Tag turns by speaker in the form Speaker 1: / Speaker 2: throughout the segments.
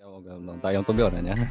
Speaker 1: Ja mogę, no dają to biorę, nie?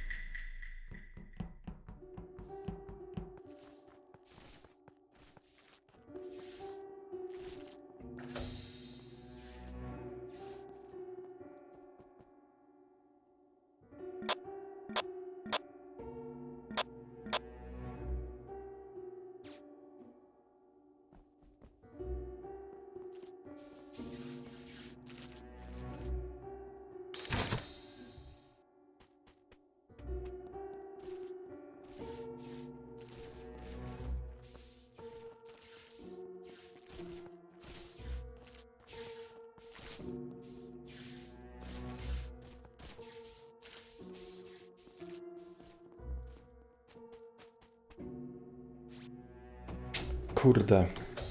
Speaker 2: Kurde.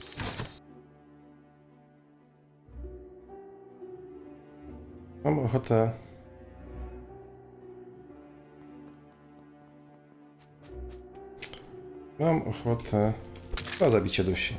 Speaker 2: Mam ochotę... Mam ochotę na zabicie dusi.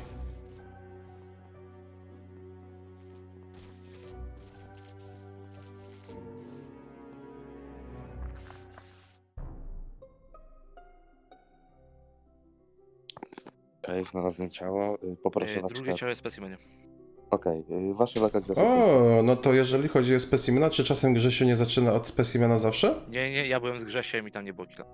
Speaker 3: Okej, znalazłem ciało. Poproszę was.
Speaker 4: Drugie ciało jest w specimenie.
Speaker 3: Okej, wasza lokalizacja.
Speaker 2: O, no to jeżeli chodzi o specimena, czy czasem Grzesiu nie zaczyna od specimena zawsze?
Speaker 4: Nie, ja byłem z Grzesiem i tam nie było killa.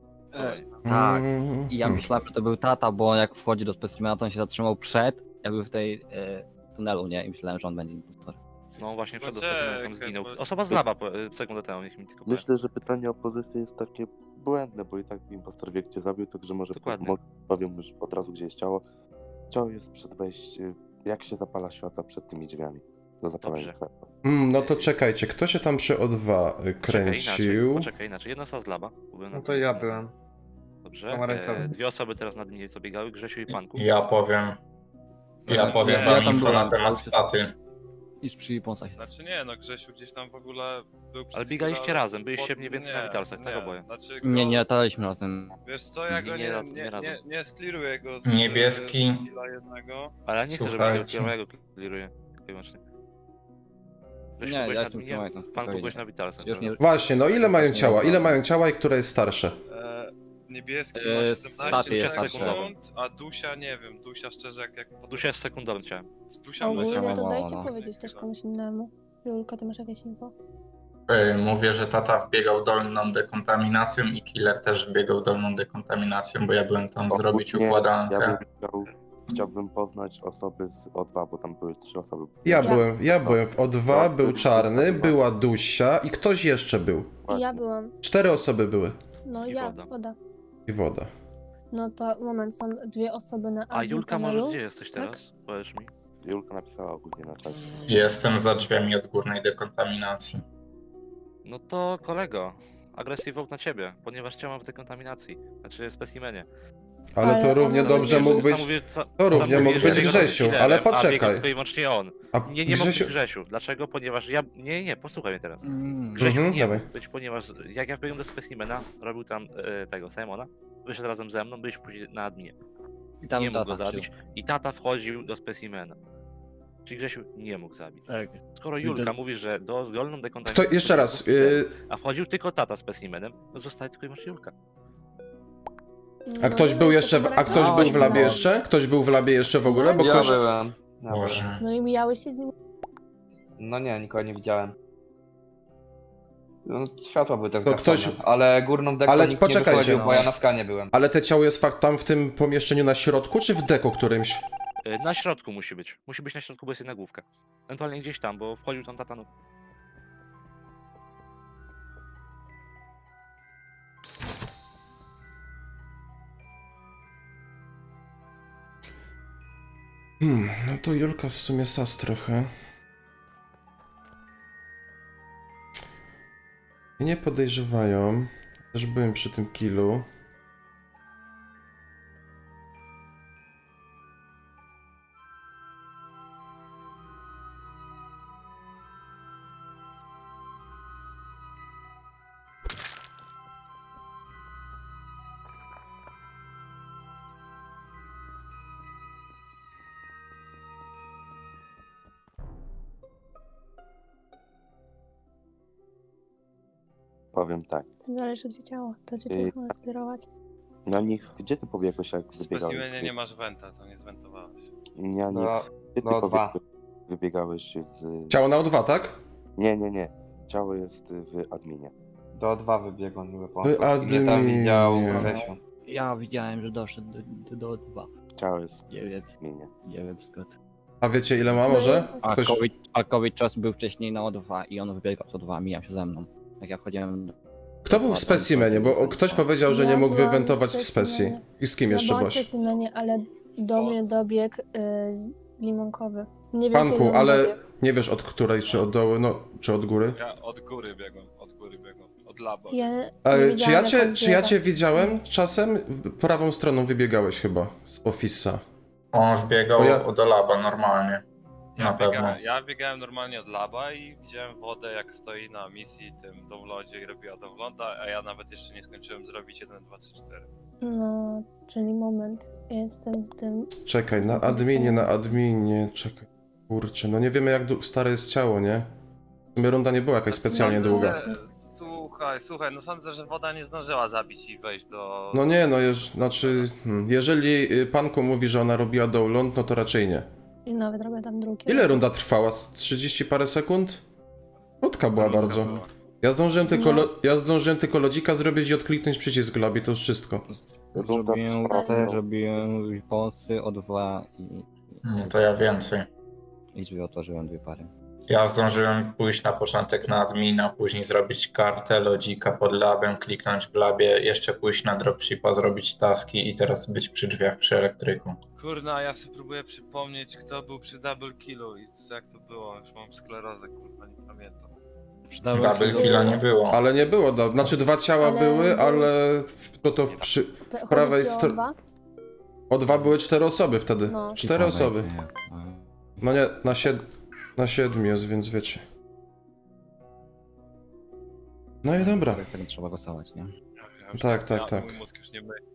Speaker 1: Tak.
Speaker 2: Mm,
Speaker 1: I ja myślałem, że to był tata, bo jak wchodzi do specimena, to on się zatrzymał przed, jakby w tej tunelu, nie? I myślałem, że on będzie impostorem.
Speaker 4: No właśnie przed
Speaker 5: Poczekaj,
Speaker 4: specimenem tam zginął.
Speaker 5: bo-
Speaker 4: Osoba z laba sekundę temu, niech mi tylko powie.
Speaker 3: Myślę, że pytanie o pozycję jest takie błędne, bo i tak impostor wie, gdzie zabił, także może
Speaker 4: Dokładnie.
Speaker 3: powiem już od razu, gdzie jest ciało. Ciało jest przed wejściem, jak się zapala światła przed tymi drzwiami do zapalenia
Speaker 4: Dobrze.
Speaker 3: światła.
Speaker 2: No to czekajcie, kto się tam przy O2 kręcił?
Speaker 4: Poczekaj inaczej. Jedna osoba z laba. Byłem
Speaker 5: No
Speaker 4: na
Speaker 5: to
Speaker 4: tym
Speaker 5: ja
Speaker 4: samym.
Speaker 5: byłem.
Speaker 4: Dobrze.
Speaker 5: Pomarańczowy.
Speaker 4: Dwie osoby teraz nad mnie co biegały, Grzesiu i Panku.
Speaker 6: Ja powiem. Ja
Speaker 1: Znaczy,
Speaker 6: powiem
Speaker 1: ja
Speaker 6: wam
Speaker 1: tam
Speaker 6: info
Speaker 1: byłem,
Speaker 6: na temat
Speaker 1: to już jest-
Speaker 6: staty.
Speaker 1: Niż przy Ponsach.
Speaker 5: Znaczy nie, no Grzesiu gdzieś tam w ogóle był
Speaker 4: Ale biegaliście
Speaker 5: chwilą
Speaker 4: razem, byliście
Speaker 5: pod-
Speaker 4: mniej więcej
Speaker 5: nie,
Speaker 4: na Witalsach, tak
Speaker 5: nie,
Speaker 4: oboje.
Speaker 5: Znaczy
Speaker 1: Nie,
Speaker 5: go-
Speaker 1: nie lataliśmy razem.
Speaker 5: Wiesz co, ja go
Speaker 4: Nie,
Speaker 5: nie,
Speaker 4: razem,
Speaker 5: nie,
Speaker 4: nie razem.
Speaker 5: nie skliruję go z
Speaker 6: Niebieski.
Speaker 5: z skilla jednego.
Speaker 4: Ale ja nie chcę,
Speaker 6: Słuchajcie.
Speaker 4: żebyś tego ja go clearuję. Wyłącznie. Grzesiu,
Speaker 1: Nie,
Speaker 4: byłeś
Speaker 1: ja
Speaker 4: na
Speaker 1: jestem
Speaker 4: adminie,
Speaker 1: Kowajtem,
Speaker 4: Panku
Speaker 1: spokojnie.
Speaker 4: byłeś na Witalsach.
Speaker 1: Już nie...
Speaker 2: Właśnie, no ile mają ciała? Ile mają ciała i które jest starsze?
Speaker 5: Niebieski
Speaker 1: E,
Speaker 5: ma
Speaker 1: staty jest
Speaker 5: 17
Speaker 4: starszy.
Speaker 5: sekund, a Dusia nie wiem, Dusia szczerze jak
Speaker 4: Dusia jest sekundowym ciałem.
Speaker 5: z Dusia może...
Speaker 1: Ogólnie
Speaker 7: Ogólnie to
Speaker 1: mało,
Speaker 7: dajcie
Speaker 1: no.
Speaker 7: powiedzieć też komuś innemu. Julka, ty masz jakieś info?
Speaker 6: Mówię, że tata wbiegał dolną dekontaminacją i killer też wbiegał dolną dekontaminacją, bo ja byłem tam zrobić
Speaker 3: Ogólnie
Speaker 6: układankę.
Speaker 3: Chciałbym poznać osoby z O2, bo tam były 3 osoby.
Speaker 2: Ja
Speaker 7: Ja.
Speaker 2: byłem w O2, był czarny, była Dusia i ktoś jeszcze był.
Speaker 7: I ja byłam.
Speaker 2: 4 osoby były.
Speaker 7: No
Speaker 4: I
Speaker 7: ja,
Speaker 4: woda.
Speaker 7: woda.
Speaker 2: I woda.
Speaker 7: No to moment, są dwie osoby na
Speaker 4: A
Speaker 7: admin
Speaker 4: Julka, może
Speaker 7: panelu.
Speaker 4: gdzie jesteś teraz? Powiesz mi.
Speaker 3: Julka napisała ogólnie na czacie.
Speaker 6: Jestem za drzwiami od górnej dekontaminacji.
Speaker 4: No to kolego, agresji vote na ciebie, ponieważ cię mam w dekontaminacji, znaczy w specimenie.
Speaker 2: Ale to
Speaker 7: Ale
Speaker 2: równie
Speaker 7: ona
Speaker 2: dobrze
Speaker 7: mówi,
Speaker 2: mógł być...
Speaker 4: To
Speaker 2: równie mógł być Grzesiu, ale poczekaj.
Speaker 4: A biega tylko i wyłącznie on.
Speaker 2: A
Speaker 4: Nie mógł
Speaker 2: Grzesiu...
Speaker 4: być Grzesiu. Dlaczego? Ponieważ ja... Nie, posłuchaj mnie teraz.
Speaker 1: Mm.
Speaker 4: Grzesiu nie
Speaker 2: dawaj.
Speaker 4: mógł być, ponieważ jak ja wbiegłem do specimena, robił tam tego Simona, wyszedł razem ze mną, byliśmy później na adminie.
Speaker 1: I tam
Speaker 4: Nie mógł go
Speaker 1: tata
Speaker 4: zabić. I tata wchodził do specimena. Czyli Grzesiu nie mógł zabić.
Speaker 1: Tak.
Speaker 4: Skoro Julka mówi, że do dolną
Speaker 2: To
Speaker 4: dekontaminację...
Speaker 2: jeszcze raz.
Speaker 4: A wchodził tylko tata specimenem, no zostaje tylko i wyłącznie Julka.
Speaker 2: A
Speaker 7: No
Speaker 2: ktoś
Speaker 7: nie
Speaker 2: był
Speaker 7: wiem,
Speaker 2: jeszcze...
Speaker 7: to
Speaker 2: A ktoś
Speaker 7: pomarańczowy
Speaker 2: był w labie
Speaker 7: miał.
Speaker 2: jeszcze? Ktoś był w labie jeszcze w ogóle? Bo
Speaker 8: Ja
Speaker 2: ktoś...
Speaker 8: byłem. Ja byłem.
Speaker 6: Boże.
Speaker 7: No i mijałeś się z nim.
Speaker 8: No nie, nikogo nie widziałem. No, światła były też
Speaker 2: To ktoś-
Speaker 8: zgaszone, ale górną deką
Speaker 2: Ale
Speaker 8: nikt
Speaker 2: poczekajcie,
Speaker 8: nie wychodził,
Speaker 2: no.
Speaker 8: bo ja na skanie byłem.
Speaker 2: Ale te ciało jest fakt tam w tym pomieszczeniu na środku, czy w deko którymś?
Speaker 4: Na środku musi być. Musi być na środku, bo jest jedna główka. Ewentualnie gdzieś tam, bo wchodził tam tata, no.
Speaker 2: No to Julka w sumie sas trochę. Mnie nie podejrzewają. Też byłem przy tym killu.
Speaker 3: powiem tak.
Speaker 7: Zależy gdzie ciało, to gdzie
Speaker 3: Yy,
Speaker 7: to można skierować.
Speaker 3: Na nich, gdzie ty pobiegłeś, jak
Speaker 5: W
Speaker 3: wybiegałeś?
Speaker 5: specimenie nie masz wenta, to nie zwentowałeś.
Speaker 3: Ja
Speaker 8: Do,
Speaker 3: nie. Gdzie ty
Speaker 8: do O2.
Speaker 3: wybiegałeś z...
Speaker 2: Ciało na O2, tak?
Speaker 3: Nie. Ciało jest w adminie.
Speaker 8: Do O2 wybiegł niby po
Speaker 2: Wy
Speaker 8: I mnie tam
Speaker 2: adminie.
Speaker 8: widział Grzesiu.
Speaker 1: Ja widziałem, że doszedł do 2.
Speaker 3: Ciało jest
Speaker 1: Nie wiem,
Speaker 3: w adminie.
Speaker 1: nie wiem skąd.
Speaker 2: A wiecie ile ma może?
Speaker 1: A
Speaker 2: Ktoś...
Speaker 1: COVID czas był wcześniej na O2 i on wybiegał z O2, mijał się ze mną. Jak ja wchodziłem...
Speaker 2: Kto był w specimenie? Bo ktoś powiedział, że nie
Speaker 7: Ja
Speaker 2: mógł
Speaker 7: byłam
Speaker 2: wywentować
Speaker 7: w
Speaker 2: w specji.
Speaker 7: specimenie.
Speaker 2: I z kim
Speaker 7: Ja
Speaker 2: jeszcze
Speaker 7: byłam w
Speaker 2: byłaś?
Speaker 7: specimenie, ale do mnie dobiegł limonkowy. Nie wiem kiedy
Speaker 2: Panku,
Speaker 7: on
Speaker 2: ale
Speaker 7: dobiegł.
Speaker 2: nie wiesz od której, czy od dołu, no, czy od góry?
Speaker 5: Ja od góry biegłem, od laba.
Speaker 7: Ja nie
Speaker 2: Czy
Speaker 7: widziałam,
Speaker 2: ja
Speaker 7: jak on
Speaker 2: czy ja
Speaker 7: biega.
Speaker 2: cię widziałem czasem? Prawą stroną wybiegałeś chyba z Office'a.
Speaker 6: On wbiegał
Speaker 2: Bo ja-
Speaker 6: do laba normalnie. Na pewno.
Speaker 5: Ja biegałem normalnie od laba i widziałem wodę, jak stoi na misji tym downloadzie i robiła downloada, a ja nawet jeszcze nie skończyłem zrobić 1, 2, 3, 4.
Speaker 7: No, czyli moment. Ja jestem w tym...
Speaker 2: Czekaj,
Speaker 7: To
Speaker 2: na
Speaker 7: są pozostałe.
Speaker 2: adminie, czekaj. Kurczę, no nie wiemy jak stare jest ciało, nie? W sumie runda nie była jakaś specjalnie
Speaker 5: Sądzę,
Speaker 2: długa.
Speaker 5: że- Słuchaj, no sądzę, że woda nie zdążyła zabić i wejść do...
Speaker 2: No nie, no jeżeli Panku mówi, że ona robiła download, no to raczej nie.
Speaker 7: I nawet robię tam drugi.
Speaker 2: Ile runda trwała? Z 30 parę sekund? Krótka była bardzo. Ja zdążyłem tylko lodzika zrobić i odkliknąć przycisk lobby, to już wszystko.
Speaker 3: Runda
Speaker 1: Zrobiłem,
Speaker 3: trwała-
Speaker 1: zrobiłem posy O2
Speaker 6: No to ja więcej.
Speaker 1: i drzwi otworzyłem 2 pary.
Speaker 6: Ja zdążyłem pójść na początek na admina, później zrobić kartę, lodzika pod labem, kliknąć w labie, jeszcze pójść na dropshipa, zrobić taski i teraz być przy drzwiach przy elektryku.
Speaker 5: Kurna, ja sobie próbuję przypomnieć, kto był przy double killu i jak to było. Już mam sklerozę, kurwa, nie pamiętam.
Speaker 6: Double killa nie było.
Speaker 2: Ale nie było, znaczy 2 ciała
Speaker 7: Ale
Speaker 2: były,
Speaker 7: był-
Speaker 2: ale przy prawej stronie...
Speaker 7: stronie.
Speaker 2: O2 były 4 osoby wtedy.
Speaker 7: No.
Speaker 2: 4 osoby. No nie, na 7 jest, więc wiecie. No i dobra.
Speaker 1: Tak trzeba głosować, nie?
Speaker 5: Ja już
Speaker 2: Tak.
Speaker 5: Mój mózg już nie myje.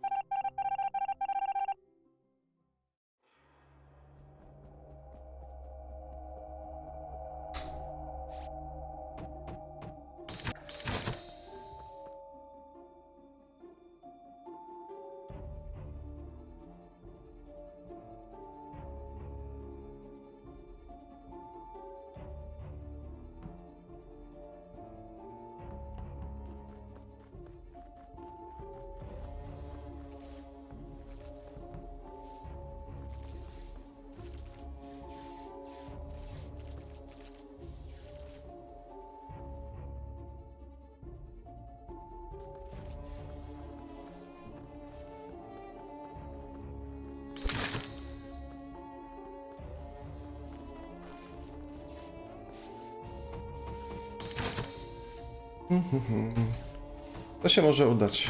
Speaker 2: To się może udać.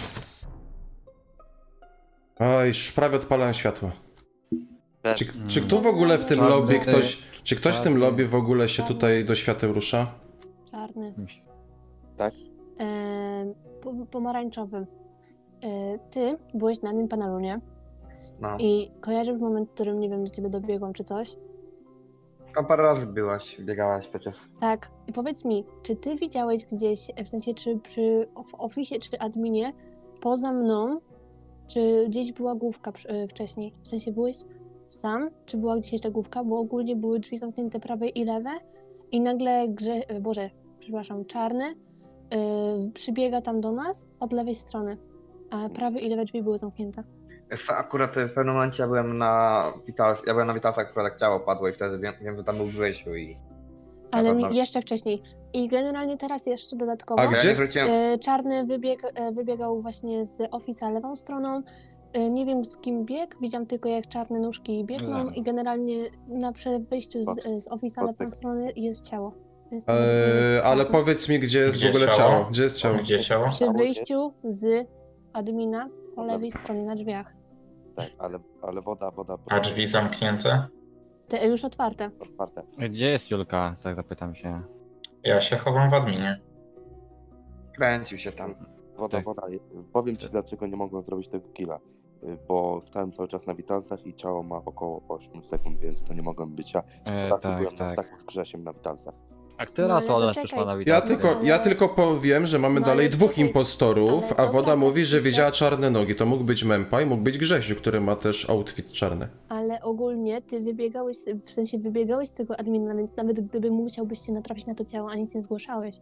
Speaker 2: Oj, już prawie odpalałem światło. Czy kto w ogóle w tym
Speaker 1: Każdy-
Speaker 2: lobby, czy ktoś w tym
Speaker 1: każdy-
Speaker 2: lobby w ogóle się tutaj do świateł rusza?
Speaker 7: Czarny.
Speaker 3: Tak?
Speaker 7: Pomarańczowy. Ty byłeś na tym panelu, nie?
Speaker 8: No.
Speaker 7: I kojarzysz moment, w którym, nie wiem, do ciebie dobiegłam czy coś?
Speaker 8: Tam parę razy biegałaś przecież.
Speaker 7: Tak. I powiedz mi, czy ty widziałeś gdzieś, w sensie czy w oficie, czy adminie, poza mną, czy gdzieś była główka wcześniej? W sensie byłeś sam, czy była gdzieś jeszcze główka? Bo ogólnie były drzwi zamknięte prawe i lewe i nagle czarny przybiega tam do nas od lewej strony, a prawe i lewe drzwi były zamknięte.
Speaker 8: Akurat w pewnym momencie ja byłem na Witalsach, akurat jak ciało padło i wtedy wiem, że tam był Grzesiu i...
Speaker 7: Ale
Speaker 8: pewno.
Speaker 7: jeszcze wcześniej. I generalnie teraz jeszcze dodatkowo.
Speaker 2: A gdzie?
Speaker 8: Ja nie zwróciłem...
Speaker 7: Czarny wybiegał właśnie z Office'a lewą stroną. Nie wiem z kim biegł, widziałam tylko jak czarne nóżki biegną
Speaker 1: Lewą.
Speaker 7: i generalnie na wyjściu z Office'a lewą
Speaker 3: Poczekaj.
Speaker 7: strony jest ciało. Jest
Speaker 2: Ale powiedz mi, gdzie jest
Speaker 6: Gdzie
Speaker 2: w ogóle
Speaker 6: ciało?
Speaker 2: ciało? Gdzie jest ciało?
Speaker 6: Gdzie ciało?
Speaker 7: Przy wyjściu z admina po lewej stronie na drzwiach.
Speaker 3: Tak, ale woda
Speaker 6: A drzwi zamknięte?
Speaker 7: Te już otwarte.
Speaker 3: otwarte.
Speaker 1: Gdzie jest Julka? Tak zapytam się.
Speaker 6: Ja się chowam w adminie.
Speaker 8: Kręcił się tam.
Speaker 3: Woda. Powiem ci,
Speaker 1: Tak.
Speaker 3: dlaczego nie mogłem zrobić tego killa. Bo stałem cały czas na witalsach i ciało ma około 8 sekund, więc to nie mogłem być ja. Byłem na
Speaker 1: Tak.
Speaker 3: staku z Grzesiem na witalsach.
Speaker 1: A teraz
Speaker 7: ale to
Speaker 1: Olesz też
Speaker 7: czekaj.
Speaker 1: ma na
Speaker 2: Ja
Speaker 1: witalce.
Speaker 2: tylko powiem, że mamy
Speaker 7: No
Speaker 2: dalej
Speaker 7: ale
Speaker 2: dwóch
Speaker 7: czekaj,
Speaker 2: impostorów,
Speaker 7: ale
Speaker 2: a
Speaker 7: dobra,
Speaker 2: Woda mówi, że
Speaker 7: tak,
Speaker 2: widziała czarne nogi. To mógł być Mempa i mógł być Grzesiu, który ma też outfit czarny.
Speaker 7: Ale ogólnie ty wybiegałeś, w sensie wybiegałeś z tego admina, więc nawet gdyby musiałbyś się natrafić na to ciało, a nic nie zgłaszałeś.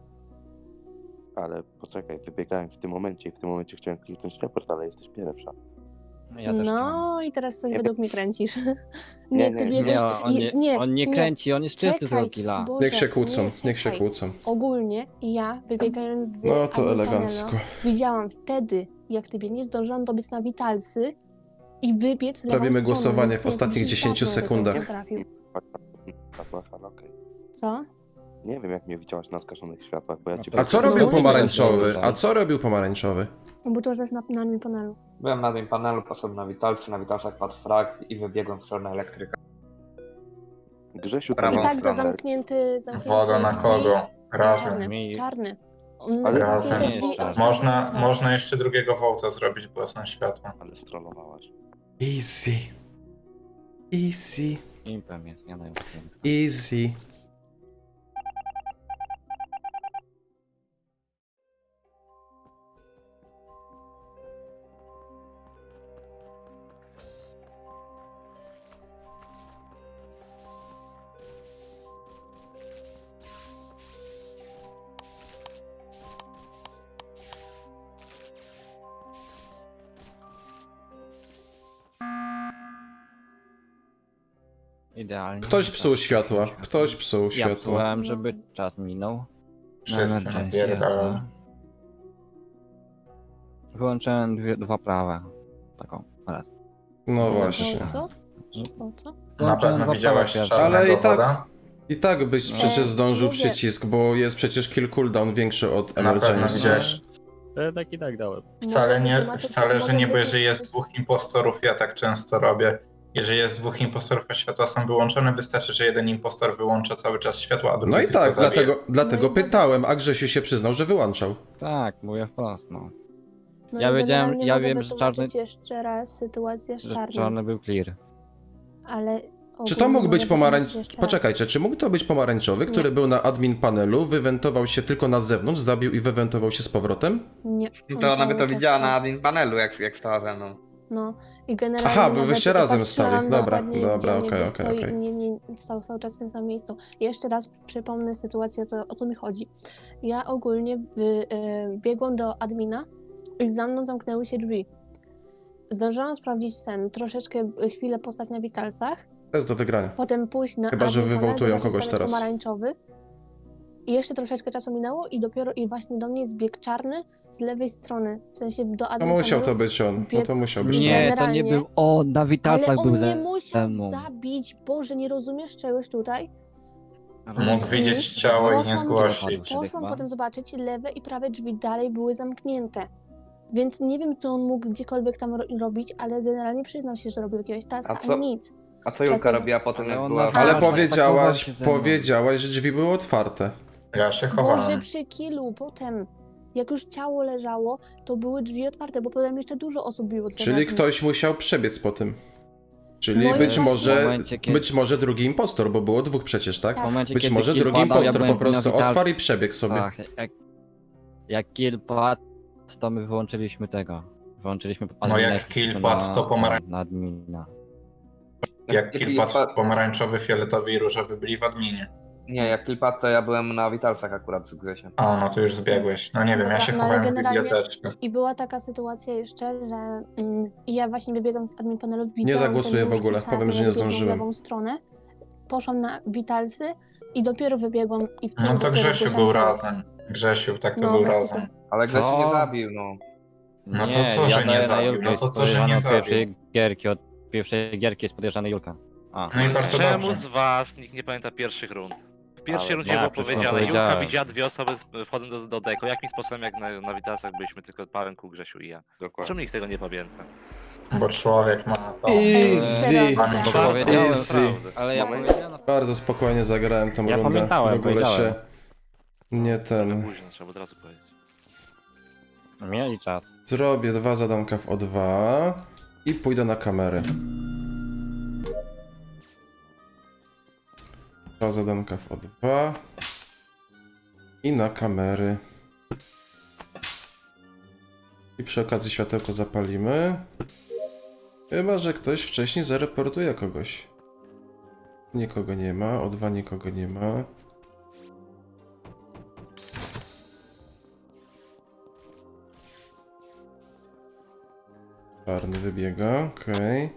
Speaker 3: Ale poczekaj, wybiegałem w tym momencie i w tym momencie chciałem kliknąć report, ale jesteś pierwsza.
Speaker 1: Ja też chciałem.
Speaker 7: No i teraz coś
Speaker 3: Nie,
Speaker 7: według mnie kręcisz.
Speaker 3: Nie,
Speaker 7: ty
Speaker 3: nie,
Speaker 7: biegłeś...
Speaker 1: On nie kręci, on jest czysty z tego
Speaker 7: Czekaj,
Speaker 1: killa.
Speaker 7: Boże,
Speaker 2: Niech się kłócą,
Speaker 7: nie,
Speaker 2: niech się
Speaker 7: czekaj.
Speaker 2: kłócą.
Speaker 7: Ogólnie ja, wybiegając z
Speaker 2: No to
Speaker 7: admin
Speaker 2: elegancko.
Speaker 7: panela, widziałam wtedy, jak ty nie zdążyłam dobiec na witalsy i wybiec lewą
Speaker 2: Robimy
Speaker 7: stroną,
Speaker 2: głosowanie
Speaker 7: więc
Speaker 2: w
Speaker 7: nie
Speaker 2: ostatnich
Speaker 7: wiem,
Speaker 2: 10
Speaker 7: jak to
Speaker 2: sekundach.
Speaker 7: się trafił.
Speaker 3: Światłach, ale okej.
Speaker 7: Co?
Speaker 3: Nie wiem, jak mnie widziałaś na zgaszonych światłach, bo ja
Speaker 1: No
Speaker 3: cię...
Speaker 1: to-
Speaker 2: A co
Speaker 7: No,
Speaker 2: robił
Speaker 7: nie
Speaker 2: pomarańczowy?
Speaker 1: wiem.
Speaker 2: A co robił pomarańczowy?
Speaker 7: Bo to jest na admin panelu.
Speaker 8: Byłem na admin panelu, poszedłem na witalcy, na witalcach padł frag i wybiegłem w stronę elektryka.
Speaker 3: Grzesiu,
Speaker 8: Prawą
Speaker 7: I tak za
Speaker 8: stronę.
Speaker 7: zamknięty
Speaker 6: Woda na
Speaker 7: drzwi.
Speaker 6: kogo? Razem.
Speaker 7: Czarny,
Speaker 1: Mi-
Speaker 7: czarny. On
Speaker 3: Ale
Speaker 7: zamknięte
Speaker 6: razem.
Speaker 7: drzwi, a
Speaker 6: Można jeszcze drugiego wołta zrobić, bo są światła.
Speaker 3: Ale strollowałaś.
Speaker 2: Easy. Easy.
Speaker 1: Impem jest, ja daję.
Speaker 2: Easy.
Speaker 1: Idealnie.
Speaker 2: Ktoś psuł światła. Ktoś psuł
Speaker 1: Ja
Speaker 2: światła.
Speaker 1: psułem, żeby czas minął.
Speaker 6: Wszyscy
Speaker 1: Emergency,
Speaker 6: napierdalają.
Speaker 1: jasne. Wyłączyłem dwa prawe. Taką. Raz.
Speaker 2: No właśnie.
Speaker 7: Po co? Po co?
Speaker 6: Na
Speaker 1: Wyłączyłem
Speaker 6: pewno
Speaker 1: dwa
Speaker 6: widziałeś
Speaker 1: prawe
Speaker 6: czarnego
Speaker 2: Ale i tak-
Speaker 6: woda?
Speaker 2: I tak byś przecież zdążył
Speaker 7: mówię.
Speaker 2: przycisk, bo jest przecież kill cooldown większy od
Speaker 6: Na pewno
Speaker 2: emergency.
Speaker 6: widziałeś.
Speaker 1: Tak i tak dałem.
Speaker 6: Wcale
Speaker 7: Mogę
Speaker 6: nie,
Speaker 7: wytłumaczyć-
Speaker 6: wcale, że
Speaker 7: mogę
Speaker 6: nie, bo jeżeli
Speaker 7: wytłumaczyć-
Speaker 6: jest dwóch impostorów, ja tak często robię. Jeżeli jest dwóch impostorów, a światła są wyłączone, wystarczy, że jeden impostor wyłącza cały czas światła, a drugi
Speaker 2: No i
Speaker 6: tylko
Speaker 2: tak,
Speaker 6: zabija.
Speaker 2: dlatego
Speaker 7: No i
Speaker 2: pytałem, a Grzesiu się przyznał, że wyłączał.
Speaker 1: Tak, mówię wprost, no.
Speaker 7: No
Speaker 1: Ja
Speaker 7: i
Speaker 1: wiedziałem-
Speaker 7: generalnie
Speaker 1: ja
Speaker 7: mogę
Speaker 1: wiem, że
Speaker 7: wytłumaczyć
Speaker 1: czarny-
Speaker 7: jeszcze raz sytuację z
Speaker 1: Że
Speaker 7: czarnym,
Speaker 1: czarny był clear.
Speaker 7: ale...
Speaker 2: Czy to
Speaker 7: ogólnie
Speaker 2: mógł być
Speaker 7: mogę
Speaker 2: pomarańcz...
Speaker 7: wytłumaczyć jeszcze raz.
Speaker 2: Poczekajcie, czy mógł to być pomarańczowy, który
Speaker 7: Nie.
Speaker 2: był na admin panelu, wywentował się tylko na zewnątrz, zabił i wywentował się z powrotem?
Speaker 7: Nie.
Speaker 8: No
Speaker 7: on
Speaker 8: to ona by
Speaker 7: cały
Speaker 8: to
Speaker 7: czas
Speaker 8: widziała
Speaker 7: stał.
Speaker 8: na admin panelu, jak stała ze mną.
Speaker 7: No i generalnie
Speaker 2: Aha, wy
Speaker 7: nawet
Speaker 2: wyście razem
Speaker 7: patrzyłam
Speaker 2: stali. Dobra,
Speaker 7: dokładnie,
Speaker 2: dobra,
Speaker 7: gdzie
Speaker 2: okej,
Speaker 7: niby
Speaker 2: okej,
Speaker 7: stoi
Speaker 2: okej.
Speaker 7: i nie stał cały czas w tym samym miejscu. Jeszcze raz przypomnę sytuację, o co mi chodzi. Ja ogólnie biegłam do admina i za mną zamknęły się drzwi. Zdążyłam sprawdzić troszeczkę chwilę postać na witalsach,
Speaker 2: To jest do wygrania.
Speaker 7: potem pójść na
Speaker 2: Chyba, że
Speaker 7: admin panel,
Speaker 2: wywołtują
Speaker 7: zobaczyć,
Speaker 2: kogoś
Speaker 7: tam jest
Speaker 2: teraz.
Speaker 7: pomarańczowy. I jeszcze troszeczkę czasu minęło i dopiero właśnie do mnie zbiegł czarny z lewej strony, w sensie do
Speaker 2: To
Speaker 7: admin
Speaker 2: musiał
Speaker 7: panelu.
Speaker 2: to być on. No to musiał być
Speaker 1: Nie,
Speaker 2: on.
Speaker 1: to nie
Speaker 7: Generalnie-
Speaker 1: był on, na
Speaker 7: Ale
Speaker 1: witalcach
Speaker 7: on
Speaker 1: był
Speaker 7: nie
Speaker 1: ze
Speaker 7: musiał
Speaker 1: mną.
Speaker 7: zabić, Boże, nie rozumiesz czegoś tutaj?
Speaker 6: Mógł widzieć ciało i nie
Speaker 7: Poszłam-
Speaker 6: zgłosić.
Speaker 7: Poszłam potem zobaczyć, lewe i prawe drzwi dalej były zamknięte. Więc nie wiem, co on mógł gdziekolwiek tam robić, ale generalnie przyznał się, że robił jakiegoś taska,
Speaker 8: A co-
Speaker 7: ani nic.
Speaker 8: A co Julka
Speaker 7: Dlatego-
Speaker 8: robiła potem,
Speaker 1: Ale
Speaker 8: jak
Speaker 1: on
Speaker 8: była...
Speaker 1: ma-
Speaker 2: Ale
Speaker 1: Tak,
Speaker 2: powiedziałaś,
Speaker 1: się ze mną.
Speaker 2: powiedziałaś, że drzwi były otwarte.
Speaker 6: Ja się
Speaker 7: Boże,
Speaker 6: chowałem.
Speaker 7: przy killu, potem, jak już ciało leżało, to były drzwi otwarte, bo potem jeszcze dużo osób biło.
Speaker 2: Czyli ktoś musiał przebiec po tym. Czyli
Speaker 7: No i
Speaker 2: być
Speaker 7: właśnie-
Speaker 2: może,
Speaker 1: W momencie, kiedy-
Speaker 2: być może drugi impostor, bo było dwóch przecież, tak?
Speaker 1: W momencie,
Speaker 2: Być
Speaker 1: kiedy
Speaker 2: może
Speaker 1: kill
Speaker 2: drugi
Speaker 1: padał, ja
Speaker 2: impostor
Speaker 1: byłem
Speaker 2: po prostu
Speaker 1: na witalce.
Speaker 2: otwarł i przebiegł sobie.
Speaker 1: Tak, jak kill padł, to my wyłączyliśmy tego. Wyłączyliśmy
Speaker 6: No jak kill padł, to
Speaker 1: na admina.
Speaker 6: Jak kilpat pomarańczowy, fioletowy i różowy byli w adminie.
Speaker 8: Nie, jak Kilpat to ja byłem na witalcach akurat z Grzesiem.
Speaker 6: A, no to już zbiegłeś. No nie wiem, ja
Speaker 7: Dobra,
Speaker 6: się
Speaker 7: no ale
Speaker 6: chowałem w
Speaker 7: generalnie-
Speaker 6: biblioteczce.
Speaker 7: I była taka sytuacja jeszcze, że ja właśnie wybiegam z admin panelu, widziałam
Speaker 2: zagłosuję
Speaker 7: ten
Speaker 2: w ogóle,
Speaker 7: czarny,
Speaker 2: powiem, że nie
Speaker 7: jak biegł w
Speaker 2: zdążyłem.
Speaker 7: lewą stronę, poszłam na witalsy i dopiero wybiegłam i wtedy
Speaker 6: No to
Speaker 7: dopiero
Speaker 6: Grzesiu
Speaker 7: zgłosiłam
Speaker 6: był
Speaker 7: ciało.
Speaker 6: razem. Grzesiu, tak to
Speaker 7: No,
Speaker 6: był
Speaker 7: właśnie
Speaker 6: razem.
Speaker 8: Ale Grzesiu nie
Speaker 1: Co?
Speaker 8: zabił, no.
Speaker 6: No to co, że nie
Speaker 1: daję na
Speaker 6: zabił?
Speaker 1: Julkę,
Speaker 6: No
Speaker 1: jest
Speaker 6: to co, że nie
Speaker 1: podejrzany od
Speaker 6: zabił?
Speaker 1: pierwszej gierki jest podejrzany Julka. A.
Speaker 6: No i bardzo
Speaker 4: Czemu
Speaker 6: dobrze.
Speaker 4: z was nikt nie pamięta pierwszych rund? W pierwszej
Speaker 3: Ale
Speaker 4: rundzie
Speaker 1: ja
Speaker 4: było
Speaker 1: przecież
Speaker 4: powiedziane, Julka
Speaker 1: powiedziałem.
Speaker 4: widziała dwie osoby wchodząc do deko. Jakim sposobem jak na witalcach byliśmy tylko Paweł, Grzesiu i ja?
Speaker 3: Dokładnie.
Speaker 4: Czemu nikt tego nie pamięta?
Speaker 6: Bo człowiek ma to.
Speaker 2: Easy.
Speaker 6: Panie
Speaker 1: Bo
Speaker 6: Człowiek.
Speaker 1: powiedziałem,
Speaker 2: Easy.
Speaker 1: ale ja
Speaker 3: Moment.
Speaker 1: powiedziałem...
Speaker 2: Bardzo spokojnie zagrałem tą
Speaker 1: Ja
Speaker 2: rundę.
Speaker 1: pamiętałem,
Speaker 2: w ogóle się
Speaker 1: powiedziałem.
Speaker 2: nie
Speaker 4: Trochę
Speaker 2: ten.
Speaker 4: późno, trzeba od razu powiedzieć.
Speaker 1: Mieli czas.
Speaker 2: Zrobię 2 zadanka w O2 i pójdę na kamery. 2 zadanka w O2. I na kamery. I przy okazji światełko zapalimy. Chyba że ktoś wcześniej zareportuje kogoś. Nikogo nie ma, O2 nikogo nie ma. Czarny wybiega, okej.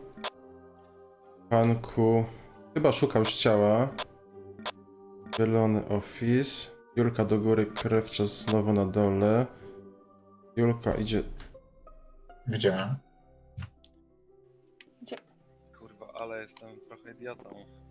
Speaker 2: Panku chyba szukał już ciała. Zielony office. Julka do góry, Krewczas znowu na dole. Julka idzie...
Speaker 6: Widziałem.
Speaker 5: Kurwa, ale jestem trochę idiotą.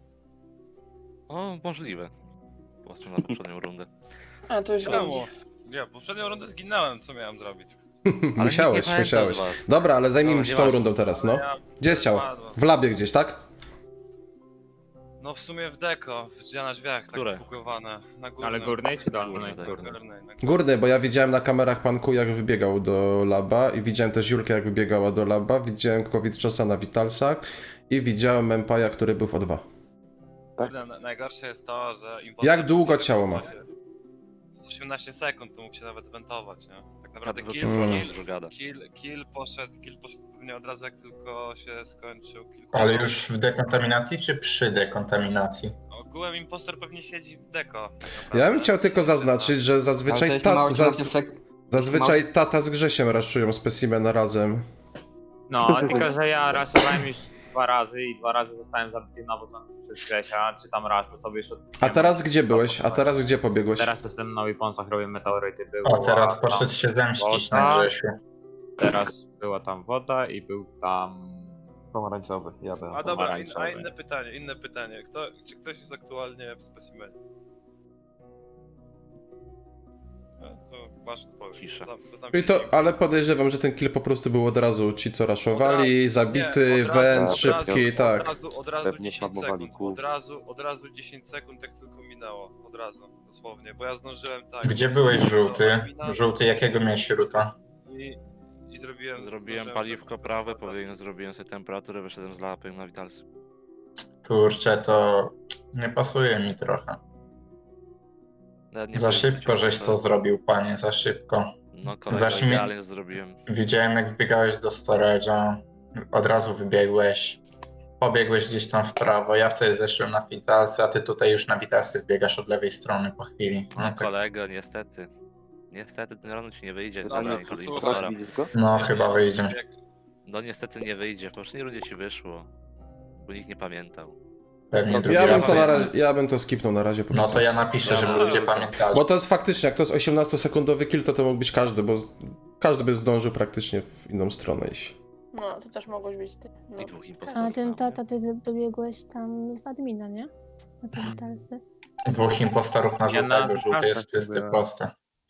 Speaker 4: O, możliwe. Patrzę na poprzednią rundę.
Speaker 9: A, to już
Speaker 5: Czemu?
Speaker 9: będzie.
Speaker 5: Ja poprzednią rundę zginąłem, co miałem zrobić?
Speaker 4: Ale
Speaker 2: Musiałeś,
Speaker 4: nikt nie pamięta
Speaker 2: musiałeś.
Speaker 4: z was.
Speaker 2: Dobra, ale zajmijmy
Speaker 4: No,
Speaker 2: się tą
Speaker 4: nieważne.
Speaker 2: rundą teraz, no.
Speaker 5: Ja
Speaker 2: Gdzie jest ciało?
Speaker 5: padłem.
Speaker 2: W labie gdzieś, tak?
Speaker 5: No w sumie w deko, gdzie na drzwiach,
Speaker 4: Które?
Speaker 5: tak zbugowane. Na górnym.
Speaker 10: Ale górnej czy dolnej?
Speaker 4: Górnej.
Speaker 10: Górnej.
Speaker 5: Górnej, na
Speaker 2: Górny, bo ja widziałem na kamerach Panku jak wybiegał do laba i widziałem też Julkę jak wybiegała do laba, widziałem Kowitczosa na Witalsach i widziałem Empaja, który był w O2.
Speaker 5: Kurde, najgorsze jest to, że
Speaker 2: Jak długo ciało ma?
Speaker 5: 18 sekund, to mógł się nawet zwentować, nie? Tak naprawdę
Speaker 4: Tak,
Speaker 5: kill,
Speaker 4: wrócił,
Speaker 5: kill,
Speaker 4: gada.
Speaker 5: kill poszedł pewnie od razu jak tylko się skończył kill.
Speaker 6: Ale już w dekontaminacji czy przy dekontaminacji?
Speaker 5: Ogółem impostor pewnie siedzi w deko. tak
Speaker 2: Ja
Speaker 5: naprawdę.
Speaker 2: bym chciał tylko zaznaczyć, że
Speaker 8: Ale to
Speaker 2: zazwyczaj,
Speaker 8: jeśli ma 18
Speaker 2: zazwyczaj tata z Grzesiem raszują specimena razem.
Speaker 10: No, tylko że ja raszowałem już 2 razy i 2 razy zostałem zabity na początku przez Grzesia, czy tam raz, to sobie już
Speaker 2: A teraz gdzie byłeś? A teraz gdzie pobiegłeś?
Speaker 10: Teraz jestem na Weaponsach, robię meteoryty,
Speaker 6: O, teraz
Speaker 10: tam
Speaker 6: poszedł się zemścić na
Speaker 10: woda,
Speaker 6: Grzesiu.
Speaker 10: Teraz była tam woda i był tam...
Speaker 8: Pomarańczowy, ja byłem.
Speaker 5: A dobra,
Speaker 10: pomarańczowy.
Speaker 5: inne pytanie. Czy ktoś jest aktualnie w specimenie? No, to masz odpowiedź.
Speaker 4: Cisza.
Speaker 5: To tam
Speaker 2: Czyli
Speaker 5: się
Speaker 2: to, ale podejrzewam, że ten kill po prostu był od razu ci co raszowali, zabity,
Speaker 5: nie, od razu,
Speaker 2: węd,
Speaker 3: od
Speaker 2: szybki, tak.
Speaker 5: Od razu
Speaker 3: Pewnie
Speaker 5: 10
Speaker 3: farmowali
Speaker 5: sekund,
Speaker 3: kół.
Speaker 5: od razu 10 sekund jak tylko minęło, od razu, dosłownie, bo ja zdążyłem tak.
Speaker 6: Gdzie byłeś,
Speaker 5: do
Speaker 6: żółty?
Speaker 5: admina
Speaker 6: Żółty, jakiego miałeś ruta?
Speaker 5: I zrobiłem...
Speaker 4: Zrobiłem
Speaker 5: zdążyłem
Speaker 4: paliwko
Speaker 5: tylko
Speaker 4: prawe,
Speaker 5: od razu.
Speaker 4: pobiegłem, zrobiłem sobie temperaturę, wyszedłem z lapem na Witalsy.
Speaker 6: Kurczę, to nie pasuje mi trochę.
Speaker 4: Nawet nie
Speaker 6: Za
Speaker 4: powiem,
Speaker 6: szybko
Speaker 4: co
Speaker 6: żeś to zrobił, panie, za szybko.
Speaker 4: No kolego,
Speaker 6: Zaś mi-
Speaker 4: idealnie zrobiłem.
Speaker 6: Widziałem jak wbiegałeś do storage'a, od razu wybiegłeś, pobiegłeś gdzieś tam w prawo, ja wtedy zeszłem na Vitalsy, a ty tutaj już na Vitalsy wbiegasz od lewej strony po chwili.
Speaker 4: No
Speaker 6: No, tak,
Speaker 4: kolego, niestety. Niestety ten rano ci nie wyjdzie.
Speaker 5: No, ale
Speaker 4: żadnej
Speaker 5: to
Speaker 4: kody
Speaker 5: słuchaj,
Speaker 4: impostora.
Speaker 3: Widzisz go?
Speaker 6: no chyba wyjdzie.
Speaker 5: Jak,
Speaker 4: No niestety nie wyjdzie, po poprzedniej rundzie ci wyszło. Bo nikt nie pamiętał.
Speaker 6: Pewnie drugi
Speaker 2: Ja bym
Speaker 6: raz
Speaker 2: to na
Speaker 6: jest.
Speaker 2: razie, ja bym to skipnął na razie po
Speaker 6: No
Speaker 2: prostu.
Speaker 6: to ja napiszę, żeby
Speaker 4: Dobra.
Speaker 6: ludzie pamiętali.
Speaker 2: Bo to jest faktycznie, jak to jest 18-sekundowy kill, to mógł być każdy, bo każdy by zdążył praktycznie w inną stronę iść.
Speaker 9: No, to też mogłeś być ty. No.
Speaker 4: I dwóch impostorów.
Speaker 7: A ten
Speaker 4: mam,
Speaker 7: tata, ty dobiegłeś tam z admina, nie? Na te witalsy.
Speaker 6: Dwóch impostorów na
Speaker 10: Ja na
Speaker 6: żółtego, żółty jest
Speaker 10: kartach
Speaker 6: czysty,
Speaker 10: byłem.
Speaker 6: prosty.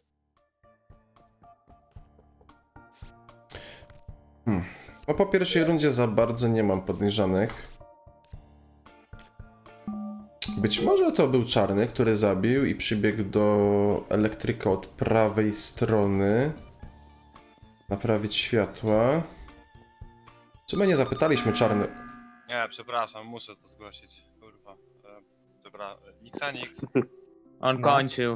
Speaker 2: No po pierwszej rundzie za bardzo nie mam podejrzanych. Być może to był czarny, który zabił i przybiegł do elektryka od prawej strony. Naprawić światła. Czy my nie zapytaliśmy czarny?
Speaker 5: nie, przepraszam, muszę to zgłosić, kurwa. Przepraszam, Nixanix,
Speaker 10: On
Speaker 8: No.
Speaker 10: kończył.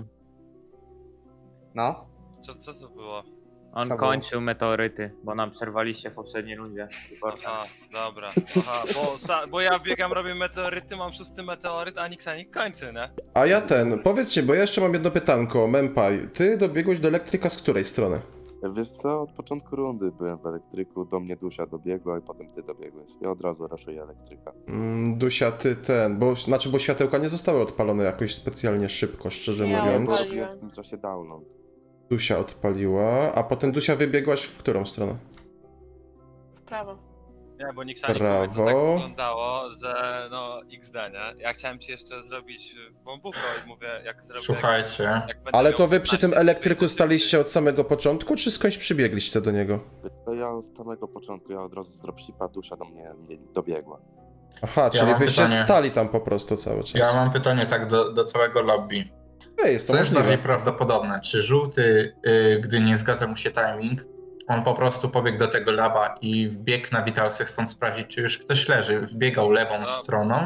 Speaker 8: No?
Speaker 5: co to było?
Speaker 10: On
Speaker 8: Co
Speaker 10: kończył meteoryty, bo nam przerwaliście w poprzedniej rundzie.
Speaker 5: Aha, dobra. Aha, bo ja biegam, robię meteoryty, mam 6 meteoryt, a Nixanik kończy, nie?
Speaker 2: A ja powiedzcie, bo ja jeszcze mam jedno pytanko. Mempaj, ty dobiegłeś do elektryka z której strony?
Speaker 3: Wiesz co, od początku rundy byłem w elektryku, do mnie Dusia dobiegła i potem ty dobiegłeś. Ja od razu raszuję elektryka.
Speaker 2: Dusia, ty bo światełka nie zostały odpalone jakoś specjalnie szybko, szczerze
Speaker 9: Ja
Speaker 2: mówiąc.
Speaker 9: odpaliłem.
Speaker 3: Robiłem w tym czasie download.
Speaker 2: Dusia odpaliła, a potem Dusia wybiegłaś w którą stronę?
Speaker 9: W prawo.
Speaker 5: Nie, bo Nixanik
Speaker 2: Brawo.
Speaker 5: to tak wyglądało, że no XD, nie? Ja chciałem ci jeszcze zrobić bombuko i mówię, jak zrobię...
Speaker 6: Słuchajcie,
Speaker 5: jak będę
Speaker 2: Ale
Speaker 5: miał
Speaker 2: to wy przy tym
Speaker 5: 15,
Speaker 2: elektryku
Speaker 5: to
Speaker 2: staliście od samego początku, czy skądś przybiegliście do niego?
Speaker 3: To ja od samego początku, ja od razu z dropshipa, Dusia do mnie nie dobiegła.
Speaker 2: Aha, czyli
Speaker 6: mam
Speaker 2: wyście
Speaker 6: pytanie.
Speaker 2: stali tam po prostu cały czas.
Speaker 6: ja mam pytanie tak do całego lobby.
Speaker 2: Jest to
Speaker 6: Co jest bardziej
Speaker 2: możliwe.
Speaker 6: prawdopodobne? Czy żółty, gdy nie zgadza mu się timing, on po prostu pobiegł do tego laba i wbiegł na Witalsy, chcąc sprawdzić, czy już ktoś leży, wbiegał lewą
Speaker 5: No.
Speaker 6: stroną,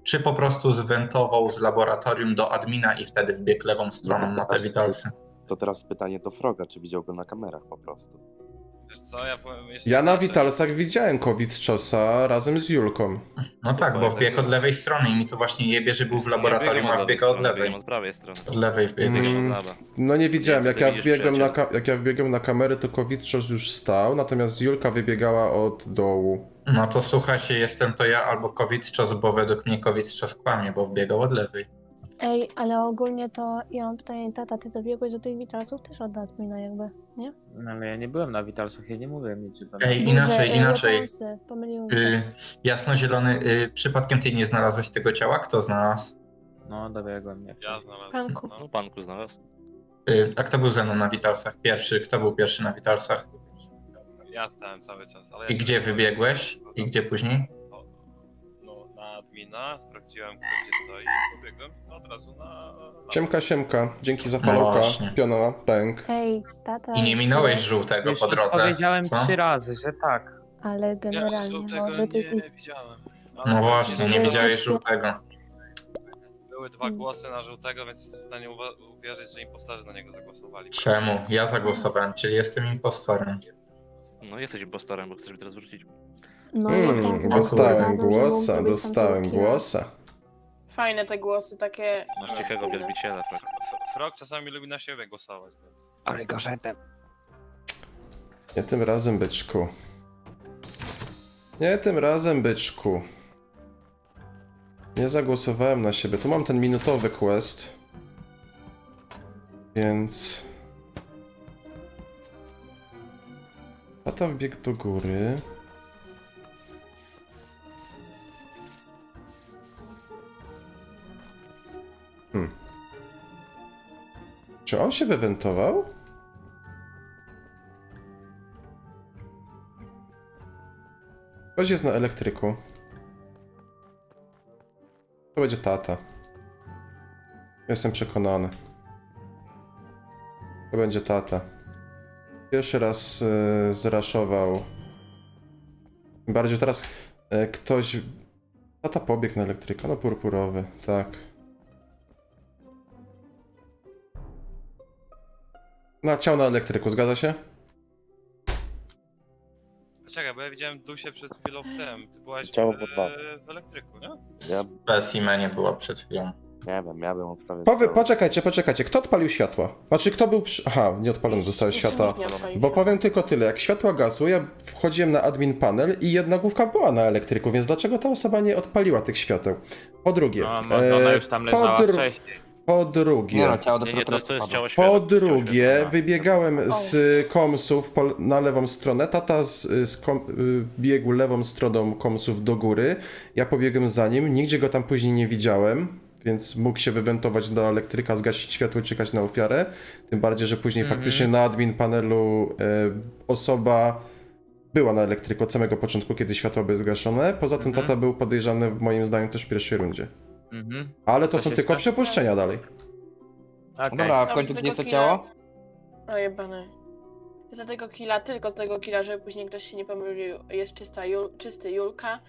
Speaker 6: czy po prostu zwentował z laboratorium do admina i wtedy wbiegł lewą stroną na te witalsy.
Speaker 3: To teraz pytanie do Froga, czy widział go na kamerach po prostu.
Speaker 5: Wiesz co, ja powiem jeszcze
Speaker 2: Ja na
Speaker 5: inaczej.
Speaker 2: witalsach widziałem Covid-czosa razem z Julką.
Speaker 6: No tak, bo wbiegł od lewej strony i mi to właśnie jebie, że był w laboratorium, a wbiegał od lewej.
Speaker 4: Od prawej strony.
Speaker 6: Od lewej wbiegł.
Speaker 2: Mm.
Speaker 4: Od lewa.
Speaker 2: No nie widziałem,
Speaker 4: Nie,
Speaker 2: jak
Speaker 4: co
Speaker 2: ja
Speaker 4: ty widzisz,
Speaker 2: wbiegłem na,
Speaker 4: przyjacielu?
Speaker 2: jak ja wbiegłem na kamerę, to Covid-czos już stał, natomiast Julka wybiegała od dołu.
Speaker 6: No to słuchajcie, jestem to ja albo COVID-czas, bo według mnie COVID-czas kłamie, bo wbiegał od lewej.
Speaker 7: Ej, ale ogólnie to ja mam pytanie, tata, ty dobiegłeś do tych witalców też od admina jakby, nie?
Speaker 10: No ale ja nie byłem na Witalsach, ja nie mówiłem nic, że tam...
Speaker 6: Ej,
Speaker 7: Może,
Speaker 6: inaczej.
Speaker 7: weaponsy, pomyliłem się.
Speaker 6: Jasnozielony, przypadkiem ty nie znalazłeś tego ciała? Kto znalazł?
Speaker 10: No, dobiegłem, nie.
Speaker 5: Ja znalazłem.
Speaker 9: Panku.
Speaker 5: No.
Speaker 4: No panku znalazł.
Speaker 6: A kto był ze mną na witalsach pierwszy? Kto był pierwszy na witalsach?
Speaker 5: Ja stałem cały czas, ale...
Speaker 6: I
Speaker 5: ja się
Speaker 6: gdzie
Speaker 5: nie
Speaker 6: wybiegłeś? I gdzie później?
Speaker 5: No, na admina, sprawdziłem gdzie stoi i pobiegłem od razu na...
Speaker 2: Siemka, dzięki za
Speaker 6: No
Speaker 2: followka,
Speaker 6: właśnie.
Speaker 2: piona, pęk.
Speaker 7: Ej, tata.
Speaker 6: I nie minąłeś
Speaker 7: ale-
Speaker 6: żółtego
Speaker 10: Już
Speaker 6: po drodze,
Speaker 10: powiedziałem
Speaker 6: co?
Speaker 10: 3 razy, że tak.
Speaker 7: Ale
Speaker 5: Ja
Speaker 7: generalnie,
Speaker 5: żółtego
Speaker 7: może ty...
Speaker 5: nie widziałem. Ale
Speaker 6: No właśnie, nie
Speaker 7: Żeby-
Speaker 6: widziałeś żółtego.
Speaker 5: Były 2 głosy na żółtego, więc jestem w stanie uwierzyć, że impostorzy na niego zagłosowali.
Speaker 6: Czemu? Ja zagłosowałem, czyli jestem impostorem.
Speaker 4: No jesteś impostorem, bo chcesz mi teraz wrócić.
Speaker 7: No i tak, a
Speaker 2: Dostałem
Speaker 7: razem, że mógł
Speaker 2: głosa,
Speaker 7: zrobić tam
Speaker 2: dostałem
Speaker 7: tego killa.
Speaker 2: głosa.
Speaker 9: Fajne te głosy, takie...
Speaker 4: Masz cichego
Speaker 9: spójne.
Speaker 4: wielbiciela, tak.
Speaker 5: Frog czasami lubi na siebie głosować, więc...
Speaker 1: Ale gorzetem.
Speaker 2: Nie tym razem, byczku. Nie tym razem, byczku. Nie zagłosowałem na siebie. Tu mam ten minutowy quest. Więc... Tata wbiegł do góry. Czy on się wywentował? Ktoś jest na elektryku. To będzie tata. Jestem przekonany. To będzie tata. Pierwszy raz zraszował. Tym bardziej, że teraz ktoś... Tata pobiegł na elektryka, no purpurowy, tak. Ciał na elektryku, zgadza się?
Speaker 5: Czekaj, bo ja widziałem Dusię przed chwilą w tym. Ty byłaś
Speaker 3: Ciało po dwa.
Speaker 5: w elektryku, nie?
Speaker 3: Ja
Speaker 6: Specimenie była przed chwilą.
Speaker 3: nie wiem, ja bym obstawiał...
Speaker 2: Poczekajcie, kto odpalił światła? Znaczy, kto był przy... Aha, nie odpalone zostały
Speaker 9: Jeszcze
Speaker 2: światła.
Speaker 9: nikt nie odpalił
Speaker 2: Bo
Speaker 9: światła.
Speaker 2: powiem tylko tyle, jak światła gasły, ja wchodziłem na admin panel i jedna główka była na elektryku, więc dlaczego ta osoba nie odpaliła tych świateł? Po drugie,
Speaker 10: No, może ona już tam leżała wcześniej.
Speaker 2: po drugie,
Speaker 8: ciało
Speaker 4: Nie, to jest ciało świata.
Speaker 2: po drugie, wybiegałem z komsów na lewą stronę, tata biegł lewą stroną komsów do góry, ja pobiegłem za nim, nigdzie go tam później nie widziałem, więc mógł się wywentować do elektryka, zgasić światło i czekać na ofiarę, tym bardziej, że później faktycznie na admin panelu osoba była na elektryku od samego początku, kiedy światła były zgaszone, poza tym tata był podejrzany moim zdaniem też w pierwszej rundzie.
Speaker 10: Mhm.
Speaker 2: Ale to
Speaker 10: Coś
Speaker 2: są tylko
Speaker 10: jeszcze?
Speaker 2: przypuszczenia dalej.
Speaker 10: Okej.
Speaker 8: Dobra, w
Speaker 9: Dobrze,
Speaker 8: końcu
Speaker 9: tego
Speaker 8: gdzie jest to
Speaker 9: killa-
Speaker 8: ciało?
Speaker 9: O jebane. Za tego killa, tylko z tego killa, żeby później ktoś się nie pomylił, jest czysty Julka.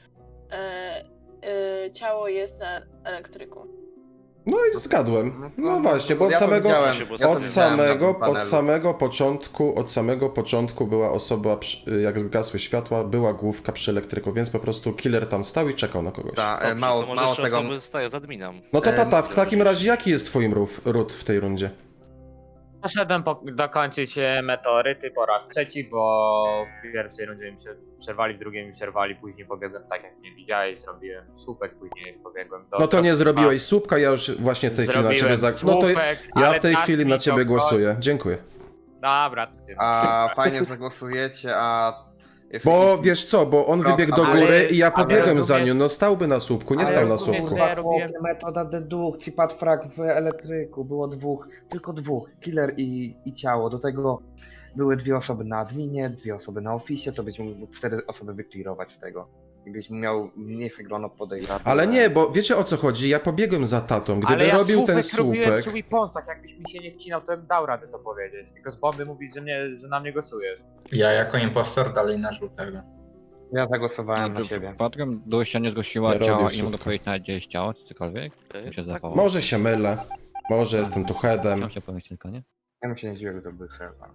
Speaker 9: Ciało jest na elektryku.
Speaker 2: No i zgadłem. No właśnie, bo od
Speaker 8: Ja to
Speaker 2: samego...
Speaker 8: widziałem,
Speaker 4: Od
Speaker 8: ja to
Speaker 2: Od
Speaker 8: widziałem na tym
Speaker 2: samego początku była osoba, jak zgasły światła, była główka przy elektryku, więc po prostu killer tam stał i czekał na kogoś.
Speaker 8: Ta,
Speaker 4: Dobrze,
Speaker 8: mało,
Speaker 4: to może
Speaker 8: mało
Speaker 4: jeszcze
Speaker 8: tego.
Speaker 4: osoby stają z adminem.
Speaker 2: No to tata, w takim razie jaki jest twoim ród w tej rundzie?
Speaker 10: Poszedłem dokończyć meteoryty po raz trzeci, bo w pierwszej rundzie mi przerwali, w drugiej mi przerwali, później pobiegłem tak jak nie widziałeś, zrobiłem słupek, później pobiegłem do...
Speaker 2: No to nie zrobiłeś słupka, ja już właśnie w tej chwili na ciebie No to ja w tej chwili na ciebie głosuję. Dziękuję.
Speaker 10: Dobra, to się...
Speaker 8: A fajnie zagłosujecie, a... jest
Speaker 2: Bo
Speaker 8: jakiś-
Speaker 2: wiesz co, bo on
Speaker 8: Krok,
Speaker 2: wybiegł do
Speaker 8: ale-
Speaker 2: góry i ja
Speaker 10: ale
Speaker 2: pobiegłem za
Speaker 10: rozumiesz-
Speaker 2: nim, no stałby na słupku, nie
Speaker 8: Ale
Speaker 2: stał na
Speaker 10: rozumiesz,
Speaker 2: słupku.
Speaker 10: że ja robiłem-
Speaker 8: Metoda dedukcji, padł frag w elektryku, było tylko dwóch, killer i ciało. Do tego były 2 osoby na adminie, 2 osoby na oficie, to byś mógł 4 osoby wyklirować z tego. I byś miał mniejsze grono podejrzanych.
Speaker 2: Ale nie, bo wiecie o co chodzi, ja pobiegłem za tatą, gdyby
Speaker 10: Ale ja
Speaker 2: robił ten
Speaker 10: robiłem
Speaker 2: słupek...
Speaker 10: przy weaponsach, jakbyś mi się nie wcinał, to bym dał radę to powiedzieć. Tylko z bomby mówisz, że na mnie głosujesz.
Speaker 6: Ja jako impostor dalej na żółtego.
Speaker 8: Ja zagłosowałem na
Speaker 1: Czy
Speaker 8: siebie.
Speaker 1: przypadkiem Dusia nie zgłosiła
Speaker 2: Nie
Speaker 1: ciała
Speaker 2: robię
Speaker 1: i nie mogę
Speaker 2: szybko.
Speaker 1: powiedzieć nawet gdzie jest ciało, czy cokolwiek? Mi się
Speaker 4: Tak,
Speaker 1: zdawało.
Speaker 2: Może się mylę. Może jestem tu headem.
Speaker 1: Chciałem się powiedzieć tylko, nie?
Speaker 8: Ja bym się nie zdziwił, gdyby to był serwer.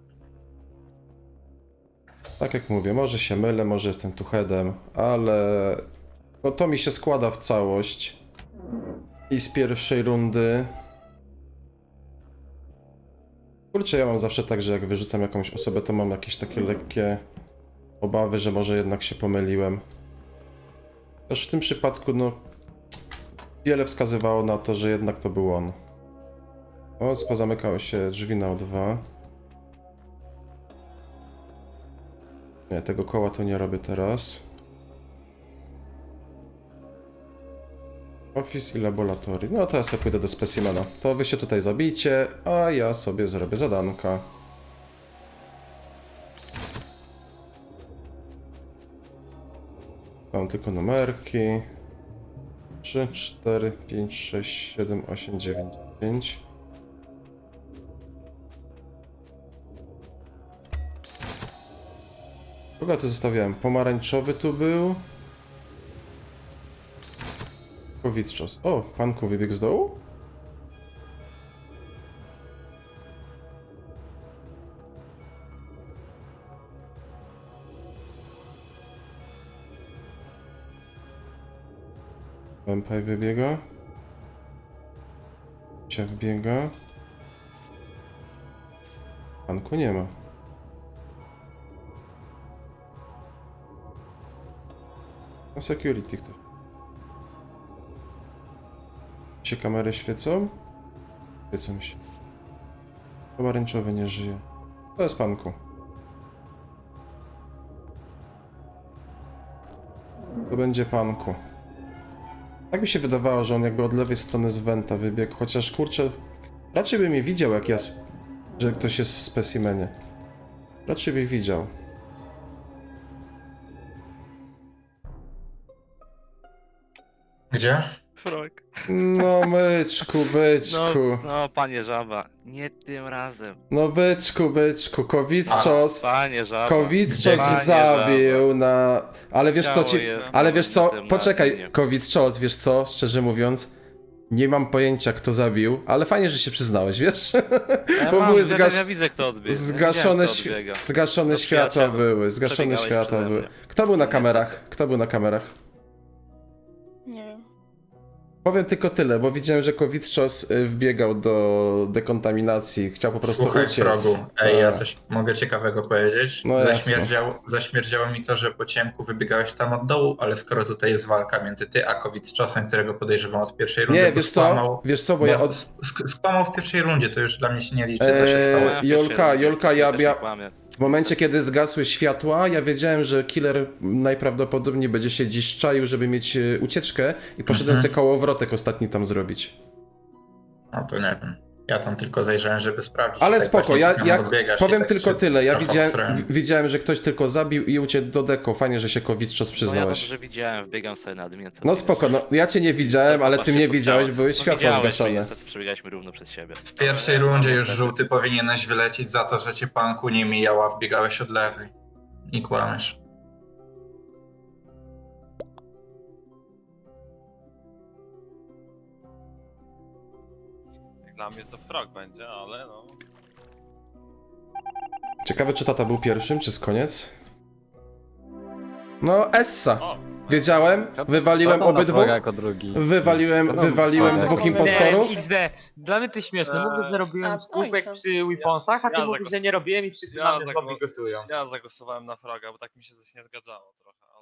Speaker 2: Tak jak mówię, może się mylę, może jestem tu headem, ale no to mi się składa w całość. I z pierwszej rundy. Kurczę, ja mam zawsze tak, że jak wyrzucam jakąś osobę, to mam jakieś takie lekkie obawy, że może jednak się pomyliłem. Też w tym przypadku, no, wiele wskazywało na to, że jednak to był on. O, pozamykały się drzwi na O2. Nie, tego koła to nie robię teraz. Office i laboratory. No to ja sobie pójdę do specimena. To wy się tutaj zabijcie, a ja sobie zrobię zadanka. Mam tylko numerki. 3, 4, 5, 6, 7, 8, 9, 10. Kogo tu zostawiałem? Pomarańczowy tu był. Kowitczos. O, panku wybiegł z dołu? Vampire wybiega. Cia wbiega. Panku nie ma. Na security ktoś. Się kamery świecą? Świecą się. Pomarańczowy nie żyje. To jest panku. To będzie panku. Tak mi się wydawało, że on jakby od lewej strony z Venta wybiegł, chociaż kurczę, raczej by mnie widział jak ja, że ktoś jest w specimenie. Raczej by widział.
Speaker 6: Gdzie?
Speaker 4: Frog.
Speaker 2: No byczku, byczku.
Speaker 4: No, panie żaba, nie tym razem.
Speaker 2: No byczku, Kowitczos.
Speaker 4: Panie żaba.
Speaker 2: Kowitczos
Speaker 4: Panie
Speaker 2: zabił na... Ale wiesz co
Speaker 4: Ciało
Speaker 2: ci...
Speaker 4: jest
Speaker 2: Ale wiesz co,
Speaker 4: na tym, na
Speaker 2: poczekaj,
Speaker 4: linie.
Speaker 2: Kowitczos, wiesz co, szczerze mówiąc, nie mam pojęcia kto zabił, ale fajnie, że się przyznałeś, wiesz?
Speaker 4: Ja
Speaker 2: Bo
Speaker 4: mam,
Speaker 2: były
Speaker 4: ja widzę kto odbiega.
Speaker 2: zgaszone,
Speaker 4: Ja widziałem, kto odbiega.
Speaker 2: zgaszone
Speaker 4: No,
Speaker 2: światła
Speaker 4: przyjacielu,
Speaker 2: były, zgaszone
Speaker 4: przebiegałeś
Speaker 2: światła
Speaker 4: przede
Speaker 2: były.
Speaker 4: mnie.
Speaker 2: Kto był na
Speaker 4: Niestety.
Speaker 2: kamerach? Kto był na kamerach?
Speaker 9: Nie wiem.
Speaker 2: Powiem tylko tyle, bo widziałem, że Kowitczos wbiegał do dekontaminacji, chciał po prostu
Speaker 6: Słuchaj,
Speaker 2: uciec.
Speaker 6: Frogu, ej, ja
Speaker 2: Tak.
Speaker 6: coś mogę ciekawego powiedzieć?
Speaker 2: No jasne.
Speaker 6: Zaśmierdziało mi to, że po ciemku wybiegałeś tam od dołu, ale skoro tutaj jest walka między ty a Kowitczosem, którego podejrzewam od pierwszej rundy,
Speaker 2: Nie,
Speaker 6: bo
Speaker 2: wiesz co, bo ja od...
Speaker 6: skłamał w pierwszej rundzie, to już dla mnie się nie liczy, co się stało.
Speaker 4: Ja w pierwszej
Speaker 2: Jolka,
Speaker 4: rundzie
Speaker 2: ja
Speaker 4: też nie
Speaker 2: bia...
Speaker 4: kłamię.
Speaker 2: W momencie, kiedy zgasły światła, ja wiedziałem, że killer najprawdopodobniej będzie się dziś czaił, żeby mieć ucieczkę i poszedłem sobie kołowrotek ostatni tam zrobić.
Speaker 6: No to nie wiem. Ja tam tylko zajrzałem, żeby sprawdzić.
Speaker 2: Ale
Speaker 6: tak
Speaker 2: spoko,
Speaker 6: właśnie
Speaker 2: ja
Speaker 6: tam odbiegasz i
Speaker 2: powiem
Speaker 6: tak
Speaker 2: tylko
Speaker 6: się
Speaker 2: tyle, ja
Speaker 6: trochę obsrałem.
Speaker 2: widziałem, że ktoś tylko zabił i uciekł do deko, fajnie, że się Kowitczos
Speaker 4: No ja
Speaker 2: przyznałeś.
Speaker 4: dobrze widziałem, wbiegam sobie na admin.
Speaker 2: No spoko, no ja cię nie widziałem, ale ty mnie widziałeś, były światła
Speaker 4: widziałeś mnie,
Speaker 2: zgaszone.
Speaker 4: Niestety przebiegaliśmy równo przed siebie.
Speaker 6: W pierwszej rundzie już żółty powinieneś wylecieć za to, że cię panku nie mijała, wbiegałeś od lewej. I kłamiesz.
Speaker 5: Dla mnie to frog będzie, ale no.
Speaker 2: Ciekawe, czy tata był pierwszym, czy z koniec? No, Essa.
Speaker 5: O!
Speaker 2: Wiedziałem, wywaliłem
Speaker 1: Kto tam na
Speaker 2: obydwu.
Speaker 1: proga jako drugi?
Speaker 2: Wywaliłem
Speaker 1: Kto tam
Speaker 2: dwóch
Speaker 1: na proga?
Speaker 2: impostorów.
Speaker 10: Nie, XD. Dla mnie to śmieszne. Mówię, że robiłem
Speaker 9: A,
Speaker 10: skupek
Speaker 9: ojca.
Speaker 10: przy Weaponsach, a ty
Speaker 5: Ja
Speaker 10: mówisz, że nie robiłem i wszyscy
Speaker 5: Ja
Speaker 10: na mnie
Speaker 5: zagło-
Speaker 10: znowu głosują.
Speaker 5: Ja zagłosowałem na froga, bo tak mi się coś nie zgadzało trochę,